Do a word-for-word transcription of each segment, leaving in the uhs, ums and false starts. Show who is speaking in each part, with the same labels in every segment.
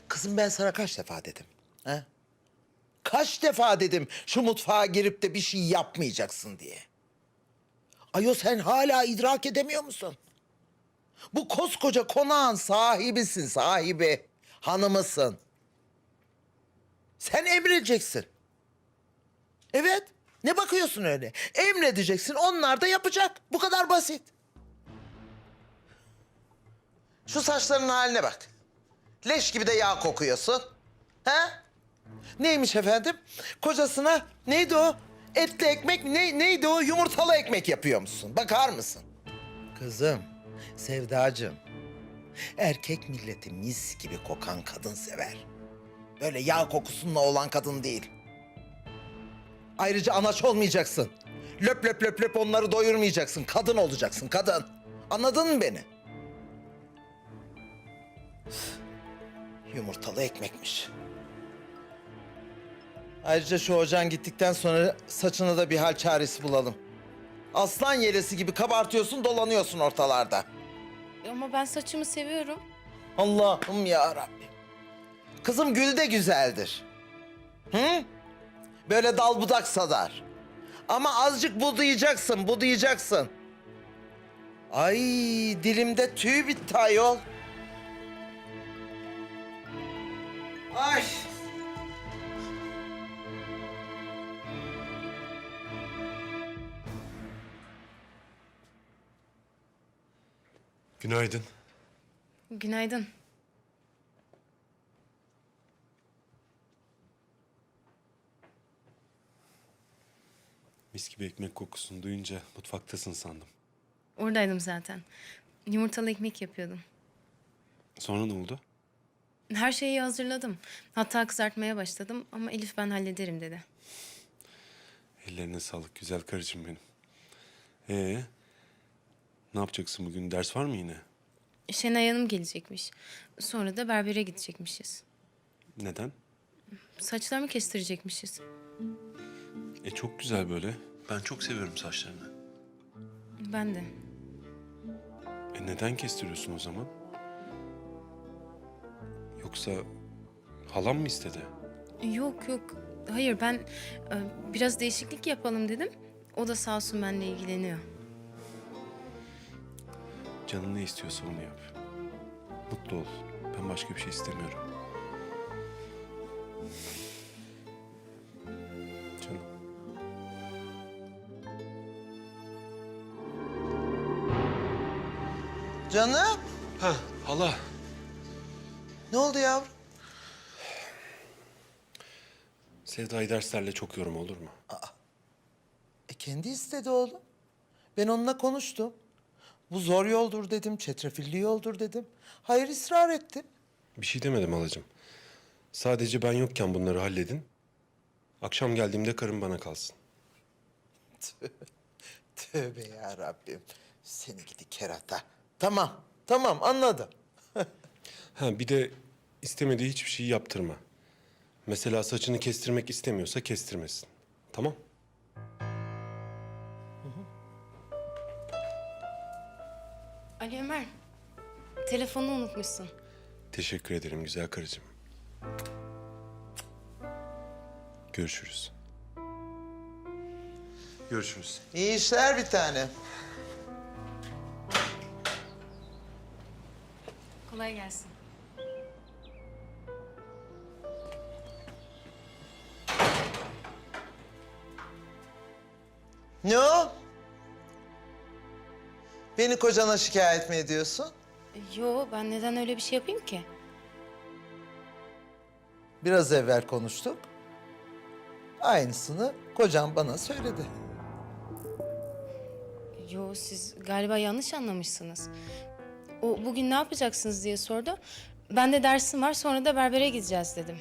Speaker 1: Kızım ben sana kaç defa dedim? He? Kaç defa dedim şu mutfağa girip de bir şey yapmayacaksın diye. Ayo sen hala idrak edemiyor musun? Bu koskoca konağın sahibisin, sahibi. Hanımısın. Sen emredeceksin. Evet. Ne bakıyorsun öyle? Emredeceksin, onlar da yapacak. Bu kadar basit. Şu saçlarının haline bak. Leş gibi de yağ kokuyorsun. He? Neymiş efendim? Kocasına neydi o? Etli ekmek mi? Ne, neydi o? Yumurtalı ekmek yapıyor musun? Bakar mısın? Kızım, Sevdacığım. Erkek milleti mis gibi kokan kadın sever. Böyle yağ kokusunla olan kadın değil. Ayrıca anaç olmayacaksın. Löp löp löp löp onları doyurmayacaksın. Kadın olacaksın, kadın. Anladın mı beni? Yumurtalı ekmekmiş. Ayrıca şu hocan gittikten sonra saçına da bir hal çaresi bulalım. Aslan yelesi gibi kabartıyorsun, dolanıyorsun ortalarda.
Speaker 2: Ama ben saçımı seviyorum.
Speaker 1: Allah'ım ya Rabbim. Kızım gül de güzeldir. Hı? Böyle dal budak sadar. Ama azıcık budayacaksın, budayacaksın. Ay dilimde tüy bitti ayol. Ay.
Speaker 3: Günaydın.
Speaker 2: Günaydın.
Speaker 3: Mis gibi ekmek kokusunu duyunca mutfaktasın sandım.
Speaker 2: Oradaydım zaten. Yumurtalı ekmek yapıyordum.
Speaker 3: Sonra ne oldu?
Speaker 2: Her şeyi hazırladım. Hatta kızartmaya başladım ama Elif ben hallederim dedi.
Speaker 3: Ellerine sağlık güzel karıcığım benim. Ee, ne yapacaksın bugün? Ders var mı yine?
Speaker 2: Şenay Hanım gelecekmiş. Sonra da berbere gidecekmişiz.
Speaker 3: Neden?
Speaker 2: Saçlarımı kestirecekmişiz.
Speaker 3: E çok güzel böyle. Ben çok seviyorum saçlarını.
Speaker 2: Ben de.
Speaker 3: E neden kestiriyorsun o zaman? Yoksa halam mı istedi?
Speaker 2: Yok yok. Hayır ben e, biraz değişiklik yapalım dedim. O da sağ olsun benimle ilgileniyor.
Speaker 3: Canın ne istiyorsa onu yap. Mutlu ol. Ben başka bir şey istemiyorum. Canım.
Speaker 1: Canım.
Speaker 3: Ha hala.
Speaker 1: Ne oldu yavrum?
Speaker 3: Sevda'yı derslerle çok yorma olur mu?
Speaker 1: E kendi istedi oğlum. Ben onunla konuştum. Bu zor yoldur dedim, çetrefilli yoldur dedim. Hayır ısrar etti.
Speaker 3: Bir şey demedim halacığım. Sadece ben yokken bunları halledin. Akşam geldiğimde karım bana kalsın.
Speaker 1: Tövbe ya Rabbim. Seni gidi kerata. Tamam, tamam anladım.
Speaker 3: Ha bir de istemediği hiçbir şeyi yaptırma. Mesela saçını kestirmek istemiyorsa kestirmesin. Tamam?
Speaker 2: Ali Ömer, telefonu unutmuşsun.
Speaker 3: Teşekkür ederim güzel karıcığım. Görüşürüz. Görüşürüz.
Speaker 1: İyi işler bir tane.
Speaker 2: Kolay gelsin.
Speaker 1: Ne o? Beni kocana şikayet mi ediyorsun?
Speaker 2: Yo ben neden öyle bir şey yapayım ki?
Speaker 1: Biraz evvel konuştuk. Aynısını kocam bana söyledi.
Speaker 2: Yo siz galiba yanlış anlamışsınız. O bugün ne yapacaksınız diye sordu. Ben de dersim var sonra da berbere gideceğiz dedim.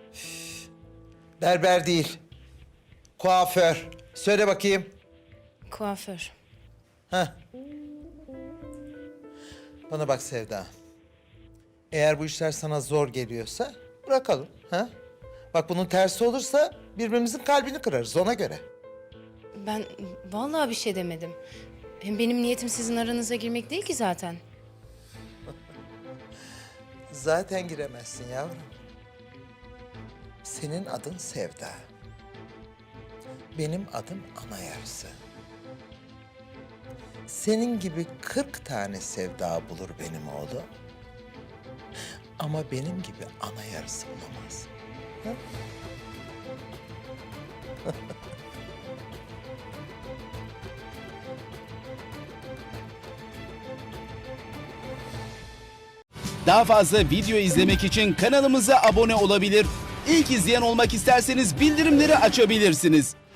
Speaker 1: Berber değil. Kuaför. Söyle bakayım.
Speaker 2: Kuaför.
Speaker 1: Heh. Bana bak Sevda. Eğer bu işler sana zor geliyorsa bırakalım. Ha? Bak bunun tersi olursa birbirimizin kalbini kırarız ona göre.
Speaker 2: Ben vallahi bir şey demedim. Hem benim niyetim sizin aranıza girmek değil ki zaten.
Speaker 1: Zaten giremezsin yavrum. Senin adın Sevda. Benim adım ana yarısı. Senin gibi kırk tane sevda bulur benim oğlum. Ama benim gibi ana yarısı bulamaz. Ha?
Speaker 4: Daha fazla video izlemek için kanalımıza abone olabilir. İlk izleyen olmak isterseniz bildirimleri açabilirsiniz.